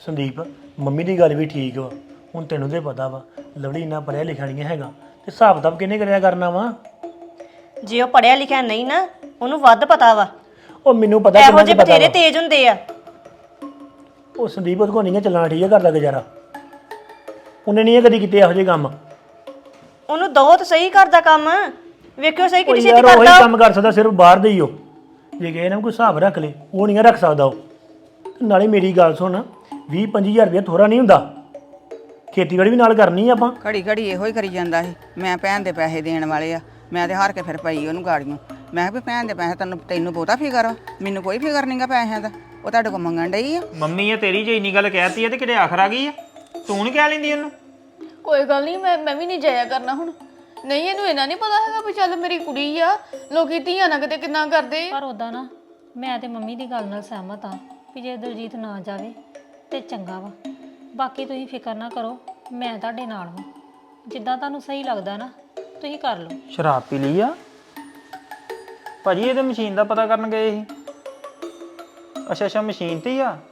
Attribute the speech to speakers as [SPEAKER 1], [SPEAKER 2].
[SPEAKER 1] Sandeep mummy ਦੀ ਗੱਲ ਵੀ ਠੀਕ ਵਾ। ਹੁਣ ਤੈਨੂੰ ਤੇ ਪਤਾ ਵਾ ਲਵਲੀ ਇੰਨਾ ਪੜ੍ਹਿਆ ਲਿਖਿਆ ਨਹੀਂ ਹੈਗਾ ਤੇ ਹਿਸਾਬ ਕਿਤਾਬ ਕਿਹਨੇ ਕਰਿਆ ਕਰਨਾ ਵਾ।
[SPEAKER 2] ਜੇ ਉਹ ਪੜਿਆ ਲਿਖਿਆ ਨਹੀਂ ਨਾ ਉਹਨੂੰ ਵੱਧ ਪਤਾ ਵਾ।
[SPEAKER 1] ਉਹ ਮੈਨੂੰ ਪਤਾ
[SPEAKER 2] ਇਹੋ
[SPEAKER 1] ਕਿੰਨਾ
[SPEAKER 2] ਜਿਹੇ
[SPEAKER 1] ਕੁ ਪਤਾ
[SPEAKER 2] ਬਥੇਰੇ
[SPEAKER 1] ਵਾ।
[SPEAKER 2] ਤੇਜ਼ ਹੁੰਦੇ ਆ।
[SPEAKER 1] ਉਹ ਸੰਦੀਪ ਉਹਦੇ ਕੋਲ ਨਹੀਂ ਚੱਲਣਾ ਠੀਕ ਹੈ ਘਰ ਦਾ ਗੁਜ਼ਾਰਾ। ਉਹਨੇ ਨਹੀਂ ਕਦੀ ਕੀਤੇ ਇਹੋ ਜਿਹੇ ਕੰਮ।
[SPEAKER 2] ਉਹਨੂੰ ਦੋ ਤਾਂ ਸਹੀ ਕਰਦਾ ਕੰਮ। ਵੇਖਿਓ ਸਹੀ
[SPEAKER 1] ਉਹ
[SPEAKER 2] ਕਿੰਨੀ
[SPEAKER 1] ਯਾਰ
[SPEAKER 2] ਛੇਤੀ
[SPEAKER 1] ਉਹੀ
[SPEAKER 2] ਕਰਦਾ
[SPEAKER 1] ਕੰਮ ਕਰ ਸਕਦਾ ਸਿਰਫ ਬਾਹਰ ਦੇ ਹੀ ਉਹ। ਜੇ ਕਹੇ ਨਾ ਕੋਈ ਹਿਸਾਬ ਰੱਖ ਲੈ ਉਹ ਨਹੀਂ ਰੱਖ ਸਕਦਾ ਉਹ। ਨਾਲੇ ਮੇਰੀ ਗੱਲ ਸੁਣ 20-25 ਹਜ਼ਾਰ ਰੁਪਇਆ ਥੋੜਾ ਨਹੀਂ ਹੁੰਦਾ। ਖੇਤੀਬਾੜੀ ਵੀ ਨਾਲ ਕਰਨੀ ਆ ਆਪਾਂ।
[SPEAKER 3] ਘੜੀ ਘੜੀ ਇਹੋ ਹੀ ਕਰੀ ਜਾਂਦਾ ਸੀ ਮੈਂ ਭੈਣ ਦੇ ਪੈਸੇ ਦੇਣ ਵਾਲੇ ਆ। ਮੈਂ ਤੇ ਹਾਰ ਕੇ ਫਿਰ ਪਈ ਉਹਨੂੰ ਗਾੜੀਆਂ। ਮੈਂ ਕਿਹਾ ਵੀ ਭੈਣ ਦੇ ਪੈਸੇ ਤੈਨੂੰ ਬਹੁਤਾ ਫਿਕਰ ਆ, ਮੈਨੂੰ ਕੋਈ ਫਿਕਰ ਨਹੀਂਗਾ ਪੈਸਿਆਂ ਦਾ। ਉਹ ਤੁਹਾਡੇ ਕੋਲ ਮੰਗਣ ਡਈ ਆ।
[SPEAKER 4] ਮੰਮੀ ਇਹ ਤੇਰੀ ਜੇ ਇੰਨੀ ਗੱਲ ਕਹਿਤੀ ਆ ਤੇ ਕਿਤੇ ਆਖਰ ਆ ਗਈ ਆ। ਤੂੰ ਨਹੀਂ ਕਹਿ ਲੈਂਦੀ ਉਹਨੂੰ?
[SPEAKER 5] ਕੋਈ ਗੱਲ ਨਹੀਂ, ਮੈਂ ਵੀ ਨਹੀਂ ਜਾਇਆ ਕਰਨਾ ਹੁਣ। ਨਹੀਂ ਇਹਨੂੰ ਇਹਨਾਂ ਨਹੀਂ ਪਤਾ ਹੈਗਾ ਵੀ ਚੱਲ ਮੇਰੀ ਕੁੜੀ ਆ, ਲੋਕੀ ਧੀਆਂ ਨਾਲ ਕਿਤੇ ਕਿੰਨਾ ਕਰਦੇ ਆ।
[SPEAKER 6] ਪਰ ਉਦਾਂ ਨਾ ਮੈਂ ਤੇ ਮੰਮੀ ਦੀ ਗੱਲ ਨਾਲ ਸਹਿਮਤ ਆ ਵੀ ਜੇ ਦਲਜੀਤ ਨਾ ਜਾਵੇ ਤੇ ਚੰਗਾ ਵਾ। ਬਾਕੀ ਤੁਸੀਂ ਫਿਕਰ ਨਾ ਕਰੋ, ਮੈਂ ਤੁਹਾਡੇ ਨਾਲ ਹਾਂ। ਜਿੱਦਾਂ ਤੁਹਾਨੂੰ ਸਹੀ ਲੱਗਦਾ ਨਾ ਤੁਸੀਂ ਕਰ ਲਓ।
[SPEAKER 4] ਸ਼ਰਾਬ ਪੀ ਲਈ ਆ ਭਾਜੀ? ਇਹ ਤੇ ਮਸ਼ੀਨ ਦਾ ਪਤਾ ਕਰਨ ਗਏ ਸੀ। ਅੱਛਾ ਮਸ਼ੀਨ ਤੇ ਹੀ ਆ।